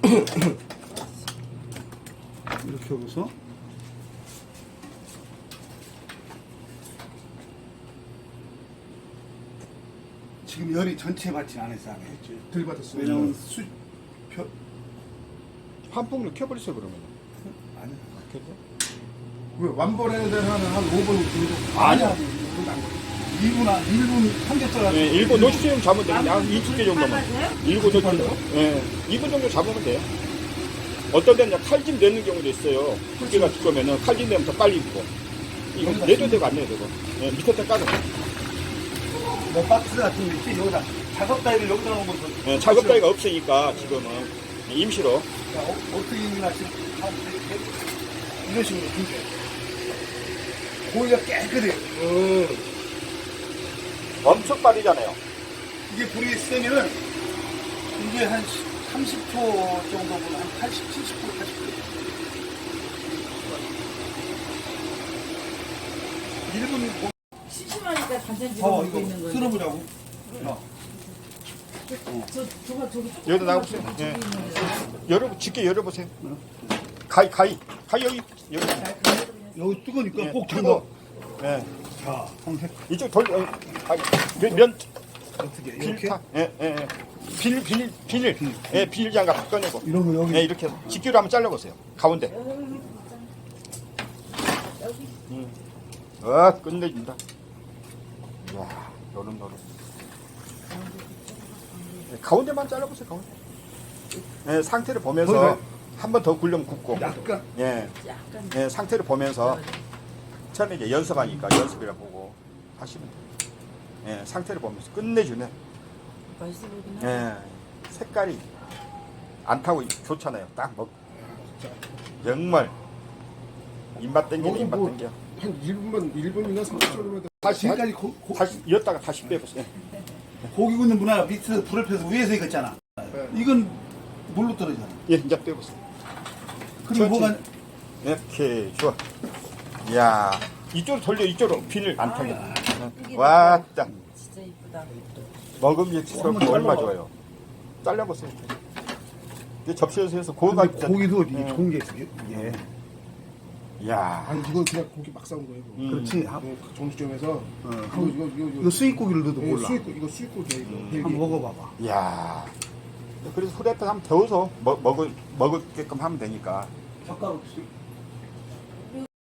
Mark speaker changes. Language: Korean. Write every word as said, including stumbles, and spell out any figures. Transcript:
Speaker 1: 이렇게 하고서 지금 열이 전체 받진 않았어. 안 했지.
Speaker 2: 덜 받았어요.
Speaker 1: 왜냐면 수 표,
Speaker 3: 환풍을 켜버리세요 그러면.
Speaker 1: 아니
Speaker 3: 켜죠?
Speaker 2: 왜 완벌해야 되는 한한 오 분 정도.
Speaker 1: 아니야. 이 분 한 일 분 삼겹살
Speaker 3: 네, 일곱 노시쯤 잡으면 돼요. 한 이십 개 정도만. 일곱 노시쯤. 예, 이 분 정도 잡으면 돼요. 어떤 데는 칼집 내는 경우도 있어요. 두께가 두꺼우면은 칼집 내면 더 빨리 익고. 이거 내도 되고 안 내도 되고. 예, 밑에 까서.
Speaker 1: 뭐 박스 같은 거 있지 여기다 작업 따위를 여기다 놓은 거죠.
Speaker 3: 예, 작업 따위가 없으니까 지금은 임시로.
Speaker 1: 자, 어, 어떻게 있나 지금 하면 이렇게 이런 식으로 이제 고기가 깨끗해요.
Speaker 2: 어.
Speaker 3: 엄청 빠르잖아요.
Speaker 1: 이게 불이 세면은 이게 한 삼십 초 정도면 한 팔십, 칠십 초, 팔십 초. 일 분
Speaker 4: 심심하니까 반찬
Speaker 1: 어,
Speaker 4: 집어
Speaker 1: 이거
Speaker 4: 있는 거예요.
Speaker 1: 쓸어보자고. 어.
Speaker 4: 저 저가 저기 쪽
Speaker 3: 여기다 나가보세요.
Speaker 4: 저기
Speaker 3: 예.
Speaker 4: 있는 거예요.
Speaker 3: 열어, 짙게 열어보세요. 가위, 가위. 가위 여기, 여기.
Speaker 1: 여기 뜨거니까
Speaker 3: 예,
Speaker 1: 꼭
Speaker 3: 그리고,
Speaker 1: 잡아.
Speaker 3: 예.
Speaker 1: 자, 한번
Speaker 3: 이쪽 돌, 어, 가위. 면, 면,
Speaker 1: 어떻게 이렇게?
Speaker 3: 필타. 예, 예, 예. 빌, 빌, 빌. 예, 빌 장갑 꺼내고.
Speaker 1: 이런 거 여기.
Speaker 3: 예, 이렇게 직기로 한번 잘라보세요. 가운데. 음. 아, 끝내준다. 이야, 노릇노릇. 예, 가운데만 잘라보세요, 가운데. 예, 상태를 보면서
Speaker 1: 거기가-
Speaker 3: 한 번 더 굴려면 굽고.
Speaker 1: 약간
Speaker 3: 예,
Speaker 4: 약간
Speaker 3: 예, 상태를 보면서 처음에 이제 연습하니까 연습이라 보고 하시면 돼요. 예, 상태를 보면서 끝내주네.
Speaker 4: 맛있어 보이긴 하네.
Speaker 3: 예, 색깔이 안 타고 좋잖아요. 딱 먹. 정말 입맛 땡기네,
Speaker 2: 여기
Speaker 3: 입맛
Speaker 2: 뭐-
Speaker 3: 땡겨.
Speaker 2: 한 일 분만 일 분이나 삼십 초면
Speaker 3: 다시
Speaker 1: 지금까지 고, 고,
Speaker 3: 다시 이었다가 다시 빼보세요.
Speaker 1: 고기 굽는 문화 밑에서 불을 펴서 위에서 익었잖아. 이건 물로 떨어지잖아.
Speaker 3: 예, 이제 빼보세요.
Speaker 1: 그럼 뭐가
Speaker 3: 이렇게 좋아. 이야, 이쪽으로 돌려, 이쪽으로 비늘 안 타게.
Speaker 4: 이게
Speaker 3: 왔다.
Speaker 4: 진짜 이쁘다.
Speaker 3: 먹음직스럽고 얼마 좋아요. 잘라보세요. 이제 접시에서 해서 고가
Speaker 1: 근데 고기도 이게
Speaker 3: 예.
Speaker 1: 좋은 게 있어. 예.
Speaker 3: 이야,
Speaker 2: 아니 이거 그냥 고기 막 싸운 거예요. 이거.
Speaker 3: 음.
Speaker 1: 그렇지. 하-
Speaker 2: 네, 그 정수점에서
Speaker 1: 어,
Speaker 2: 이거
Speaker 1: 한번-
Speaker 2: 이거 이거 이거
Speaker 1: 이거 수입고기를 넣어도
Speaker 2: 네,
Speaker 1: 몰라.
Speaker 2: 수입고 이거 수입고기야 이거.
Speaker 3: 음.
Speaker 2: 헬기.
Speaker 1: 한번 먹어봐봐.
Speaker 3: 이야. 그래서 후라이팬 한번 데워서 먹, 먹을, 먹을게끔 하면 되니까.
Speaker 1: 젓가락